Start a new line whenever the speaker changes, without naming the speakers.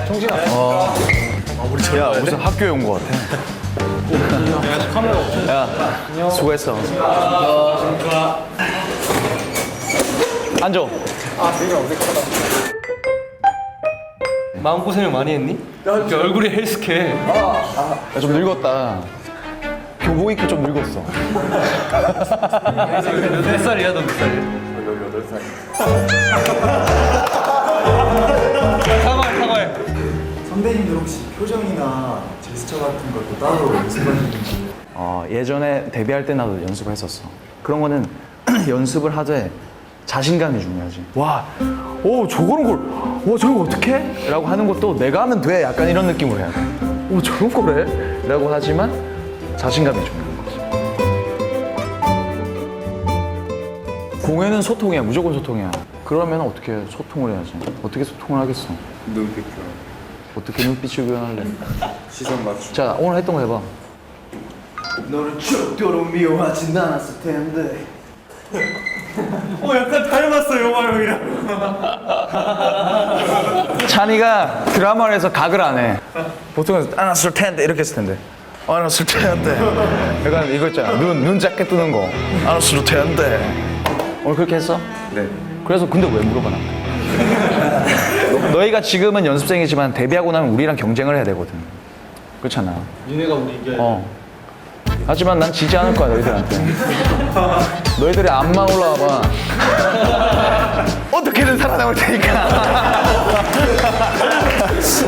야, 무슨 학교에 온 거 같아. 야, 수고했어. 앉아.
마음고생을 많이 했니? 이렇게 얼굴이 헬스케.
야, 좀 늙었다. 교복 입기 좀 늙었어.
몇 살이야, 너 몇 살이야? 18살. 사과해.
선배님들 혹시 표정이나 제스처 같은 것도 따로 연습하시는지?
예전에 데뷔할 때 나도 연습을 했었어. 그런 거는 연습을 하되 자신감이 중요하지. 와, 오, 저런 걸, 와, 저런 거 어떡해? 라고 하는 것도 내가 하면 돼. 약간 이런 느낌으로 해야 돼. 오, 저런 거래? 라고 하지만 자신감이 중요한 거지. 공연은 소통이야. 무조건 소통이야. 그러면 어떻게 소통을 해야지? 어떻게 소통을 하겠어?
눈빛
어떻게 눈빛을 교환할래?
시선 맞추.
자, 오늘 했던 거 해봐.
너를 죽도록 미워하진 않았을 텐데.
약간 닮았어, 영화 형이랑.
찬이가 드라마를 해서 각을 안 해. 보통은 안았을 텐데 이렇게 했을 텐데. 안았을 텐데. 약간 이거 있잖아. 눈 작게 뜨는 거. 안았을 텐데. 오늘 그렇게 했어?
네.
그래서 근데 왜 물어봐 나한테? 너희가 지금은 연습생이지만 데뷔하고 나면 우리랑 경쟁을 해야 되거든. 그렇잖아.
니네가 우리 이겨야
하지만 난 지지 않을 거야 너희들한테. 너희들이 앞만 올라와봐. 어떻게든 살아남을 테니까.